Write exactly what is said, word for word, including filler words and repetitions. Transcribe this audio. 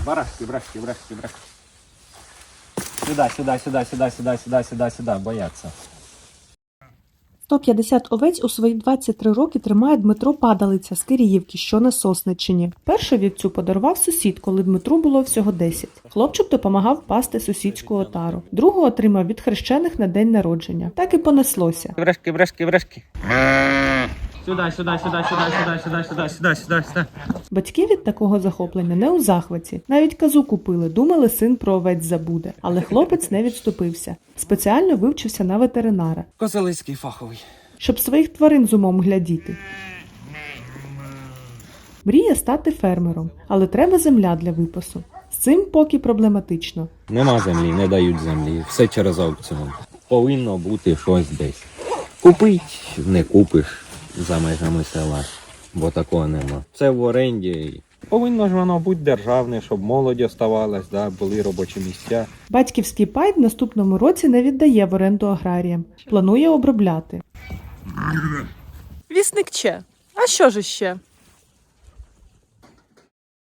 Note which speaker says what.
Speaker 1: барашки, барашки, барашки, барашки. Сюда, сюда, сюда, сюда, сюда, сюда, сюда, сюда, бояться.
Speaker 2: сто п'ятдесят овець у свої двадцять три роки тримає Дмитро Падалиця з Киріївки, що на Сосниччині. Першу вівцю подарував сусід, коли Дмитру було всього десять. Хлопчик допомагав пасти сусідську отару. Другу отримав від хрещених на день народження. Так і понеслося.
Speaker 1: Барашки, барашки, барашки. Сюда, сюда, сюда, сюда, сюда, сюда, сюда, сюда, сюда, сюда.
Speaker 2: Батьки від такого захоплення не у захваті. Навіть казу купили, думали, син про овець забуде. Але хлопець не відступився. Спеціально вивчився на ветеринара,
Speaker 1: Козелицький фаховий.
Speaker 2: щоб своїх тварин з умом глядіти. Мріє стати фермером, але треба земля для випасу. З цим поки проблематично.
Speaker 1: Нема землі, не дають землі. Все через аукціон. Повинно бути щось десь. Купить, не купиш за межами села, бо такого нема. Все в оренді. Повинно ж воно бути державне, щоб молодь оставалась, да, були робочі місця.
Speaker 2: Батьківський пай в наступному році не віддає в оренду аграріям. Планує обробляти.
Speaker 3: Вісник Че. А що ж іще?